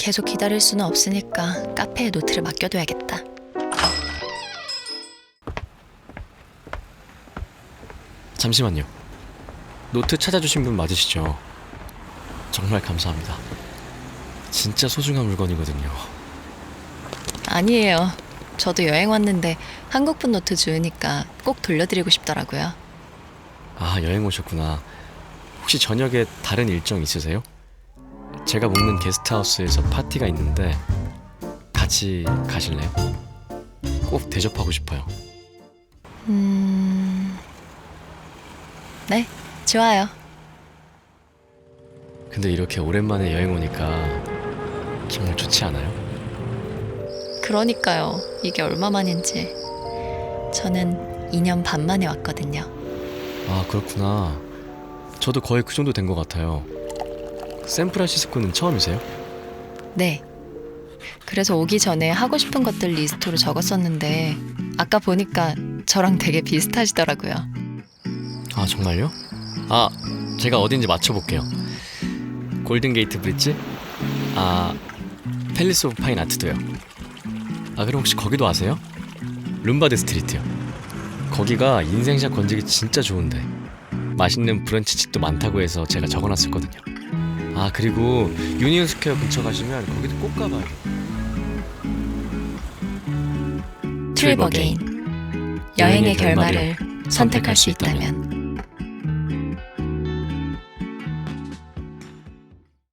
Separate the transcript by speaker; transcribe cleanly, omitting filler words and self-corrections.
Speaker 1: 계속 기다릴 수는 없으니까 카페에 노트를 맡겨둬야겠다.
Speaker 2: 잠시만요. 노트 찾아주신 분 맞으시죠? 정말 감사합니다. 진짜 소중한 물건이거든요.
Speaker 1: 아니에요. 저도 여행 왔는데 한국분 노트 주우니까 꼭 돌려드리고 싶더라고요.
Speaker 2: 아, 여행 오셨구나. 혹시 저녁에 다른 일정 있으세요? 제가 묵는 게스트하우스에서 파티가 있는데 같이 가실래요? 꼭 대접하고 싶어요.
Speaker 1: 네, 좋아요.
Speaker 2: 근데 이렇게 오랜만에 여행 오니까 정말 좋지 않아요?
Speaker 1: 그러니까요. 이게 얼마만인지. 저는 2년 반 만에 왔거든요.
Speaker 2: 아, 그렇구나. 저도 거의 그 정도 된 것 같아요. 샌프란시스코는 처음이세요?
Speaker 1: 네. 그래서 오기 전에 하고 싶은 것들 리스트로 적었었는데 아까 보니까 저랑 되게 비슷하시더라고요.
Speaker 2: 아, 정말요? 아, 제가 어딘지 맞춰볼게요. 골든게이트 브릿지? 아, 팰리스 오브 파인 아트도요. 아, 그럼 혹시 거기도 아세요? 룸바드 스트리트요. 거기가 인생샷 건지기 진짜 좋은데 맛있는 브런치집도 많다고 해서 제가 적어놨었거든요. 아, 그리고 유니온 스퀘어 근처 가시면 거기도 꼭 가봐요.
Speaker 1: 트립 어게인. 여행의 결말을 선택할 수 있다면.